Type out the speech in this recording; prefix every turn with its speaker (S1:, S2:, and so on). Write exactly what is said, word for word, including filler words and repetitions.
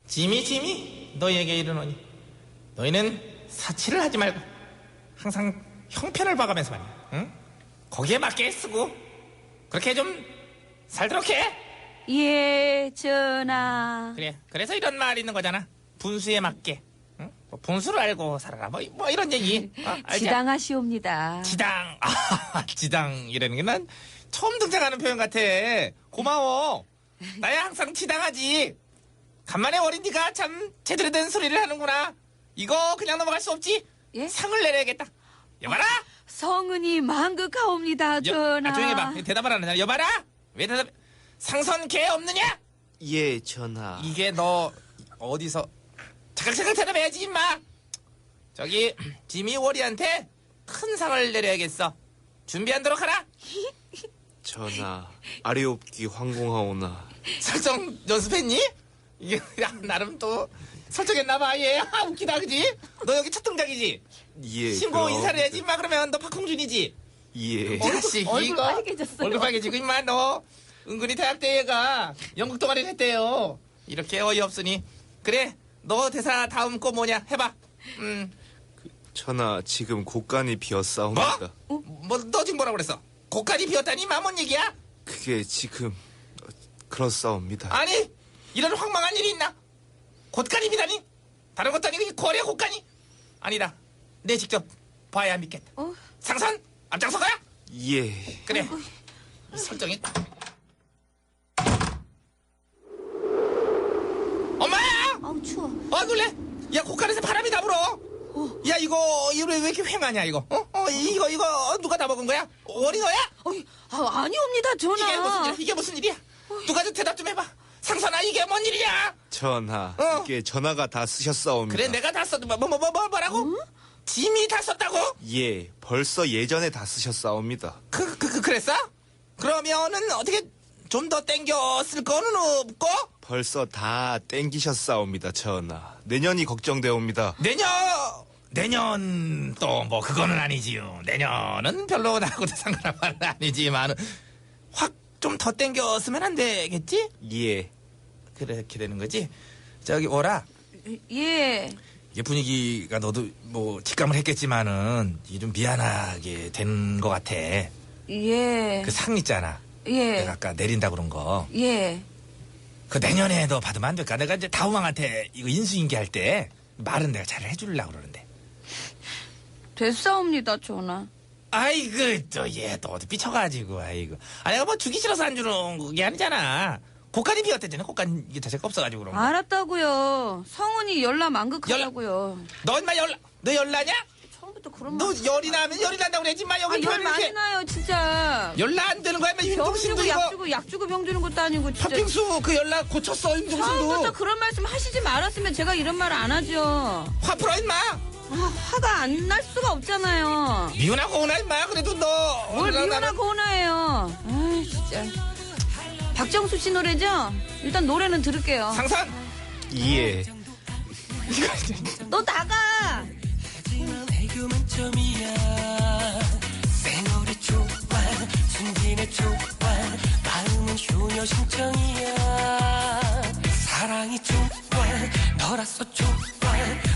S1: 지미 지미 너희에게 이르노니 너희는 사치를 하지 말고 항상 형편을 봐가면서 말이야. 응? 거기에 맞게 쓰고 그렇게 좀 살도록 해.
S2: 예, 전하.
S1: 그래. 그래서 이런 말이 있는 거잖아. 분수에 맞게. 응? 뭐 분수를 알고 살아라. 뭐, 뭐 이런 얘기. 어, 알지?
S2: 지당하시옵니다.
S1: 지당. 아, 지당이라는 게 난 처음 등장하는 표현 같아. 고마워. 나야 항상 지당하지. 간만에 어린 니가 참 제대로 된 소리를 하는구나. 이거 그냥 넘어갈 수 없지.
S2: 예?
S1: 상을 내려야겠다. 여봐라.
S2: 성은이 망극하옵니다, 전하.
S1: 아, 조용히 해봐. 대답을 안 하잖아. 여봐라. 왜 대답? 상선 개 없느냐?
S3: 예, 전하.
S1: 이게 너 어디서 차각차각 대답해야지 임마. 저기 지미 워리한테 큰 상을 내려야겠어. 준비하도록 하라.
S3: 전하, 아래옵기 황공하오나.
S1: 설정 연습했니? 이게 야, 나름 또 설정했나봐. 얘 아, 웃기다 그지? 너 여기 첫 등장이지?
S3: 예.
S1: 신고
S3: 그럼-
S1: 인사를 해야지 임마. 그러면 너 박홍준이지?
S3: 예.
S1: 자식
S2: 얼굴
S1: 이거
S2: 빨개졌어요.
S1: 얼굴 빨개지고 임마. 너 은근히 대학 때 얘가 연극 동아리를 했대요. 이렇게 어이없으니. 그래 너 대사 다음 거 뭐냐 해봐. 음.
S3: 전하, 지금 곳간이 비었사옵니다.
S1: 뭐? 뭐 너 지금 뭐라고 그랬어? 고깔이 비었다니 마뭔 얘기야?
S3: 그게 지금 어, 그렇사옵니다.
S1: 아니 이런 황망한 일이 있나? 곶간이 비다니? 다른 것도 아니고 이 거래 곶간이? 아니다. 내 직접 봐야 믿겠다.
S2: 어?
S1: 상선 앞장서 가야?
S3: 예.
S1: 그래. 이 설정이. 엄마야!
S2: 아우, 추워.
S1: 어 놀래? 야 곶간에서 바람이 다 불어. 야 이거 이거 왜 이렇게 휑하냐 이거? 어? 어 이거 이거 누가 다 먹은 거야? 어린 거야?
S2: 어이, 아, 아니옵니다, 전하.
S1: 이게 무슨 일이야? 이게 무슨 일이야? 누가 좀 대답 좀 해봐. 상선아 이게 뭔 일이야?
S3: 전하,
S1: 어.
S3: 이게 전하가 다 쓰셨사옵니다.
S1: 그래 내가 다 썼. 뭐뭐 뭐 뭐 뭐라고? 짐이 다 썼다고?
S3: 예, 벌써 예전에 다 쓰셨사옵니다.
S1: 그, 그, 그 그랬어? 그러면은 어떻게 좀 더 땡겨 쓸 거는 없고?
S3: 벌써 다 땡기셨사옵니다, 전하. 내년이 걱정되옵니다.
S1: 내년 내년 또 뭐 그거는 아니지요. 내년은 별로 나하고도 상관한 말은 아니지만 확 좀 더 땡겨 쓰면 안 되겠지?
S3: 예.
S1: 그렇게 되는 거지. 저기 오라.
S2: 예.
S1: 이게 분위기가 너도 뭐 직감을 했겠지만은 이게 좀 미안하게 된 것 같아.
S2: 예.
S1: 그 상 있잖아.
S2: 예.
S1: 내가 아까 내린다 그런 거.
S2: 예.
S1: 그 내년에도 받으면 안 될까? 내가 이제 다우망한테 이거 인수인계 할 때 말은 내가 잘 해주려고 그러는데.
S2: 됐사옵니다, 전하.
S1: 아이고 또 얘 또 어디 삐쳐가지고 아이고. 아 내가 뭐 주기 싫어서 안 주는 게 아니잖아. 곡간이 비었대잖아. 곡간 이게 자체가 없어가지고 그런 거.
S2: 알았다고요. 성은이 열나 망극하다고요.
S1: 너 인마 열나? 너 열나냐?
S2: 처음부터 그런
S1: 너
S2: 말.
S1: 열이 나면 열이 난다고 그러지 마. 여기
S2: 아, 열
S1: 표현을
S2: 많이
S1: 이렇게.
S2: 나요, 진짜.
S1: 열나 안 되는 거야. 인마
S2: 병
S1: 윤종신도
S2: 주고 약
S1: 이거.
S2: 주고 약 주고 병 주는 것도 아니고 진짜.
S1: 팥빙수 그 열나 고쳤어.
S2: 처음부터
S1: 윤종신도.
S2: 그런 말씀 하시지 말았으면 제가 이런 말 안 하죠.
S1: 화 풀어 인마.
S2: 아, 화가 안 날 수가 없잖아요.
S1: 미우나 고우나 인마. 그래도 너.
S2: 뭘
S1: 어디나
S2: 미우나
S1: 나는-
S2: 고우나예요. 아, 진짜. 박정수 씨 노래죠? 일단 노래는 들을게요.
S1: 상선.
S3: 예.
S2: 너 나가.
S4: 애교 만점이야. 쌩얼이 좋아, 순진해 좋아, 마음은 효녀 심청이야. 사랑이 좋아, 너라서 좋아,